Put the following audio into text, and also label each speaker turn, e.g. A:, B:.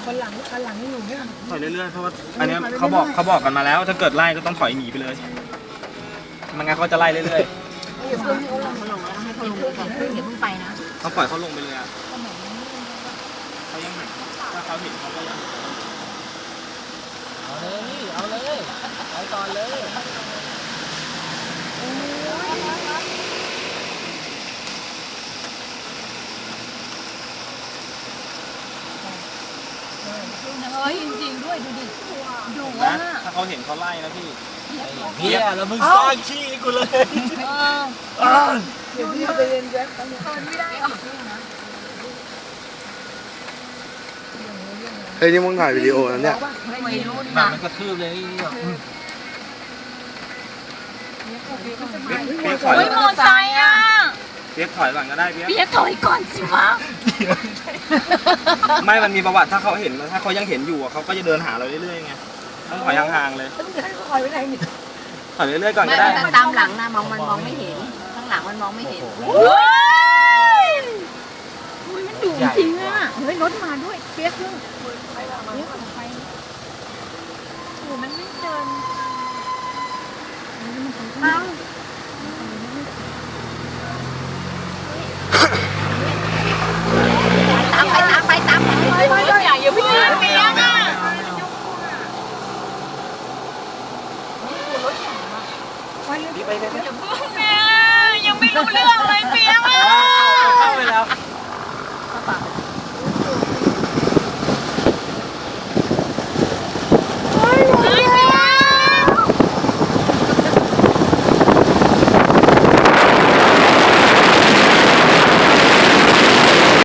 A: คันหลังนี่อยู่เนี่ย
B: ถอยเรื่อยๆเพราะว่าอันนี้เขาบอกกันมาแล้ว ถ้าเกิดไล่ก็ต้องถอยหนีไปเลยมันงั้นเขาจะไล่เรื่อย
C: อย่าเพิ่งให้เขาลงแล้วให้เขาลงไปก่อนอย่าเพิ่งไปนะ
B: ๆเขาปล่อยเขาลงไปเลยอ่ะเขายังหันถ้าเขาเห็นเขาก็ยัง
D: เอาเลยเอาเลยไปก่อนเลย
C: เฮ้ยจริงๆด้วยดูดิดุ
B: นะ
C: อ่ะ
B: ถ้าเขาเห็นเขาไล่นะพี่
D: เฮียแล้วมึงสร้างขี้กูเลย
A: เดี๋ยวพี่ไปเรียนแจ็คเขาเนี่ย
C: ทนไม่ได้หรอ
E: เฮ้ยนี่มึงถ่ายวิดีโอแล้วเนี่ย
C: ไม่รู้
D: หนั
C: นะ
D: กมันกระทืบเลยนี่
B: เปี๊ยกถอย
C: เฮ้ยมอไซค์อ่ะ
B: เปี๊ยกถอยก่อนก็ได้เปี๊ยก
C: พี่จะถอยก่อนสิวะ
B: ไม่มันมีประวัติถ้าเขาเห็นถ้าเขายังเห็นอยู่อะเขาก็จะเดินหาเราเรื่อยๆไงต้องถอยห่างๆเลย
A: แล้วมึงจะให้เขาคอยไว้ไหนเนี่ย
B: ถอยเรื่อยๆก่อน
C: ไม่
B: ก็ได้
C: แต่ตามหลังนะมันมองไม่เห็นข้างหลังมันมองไม่เห็นมันดุจริงอ่ะเฮ้ยรถมาด้วยเปี๊ยกด้วยโอ้มันไม่เดินเอา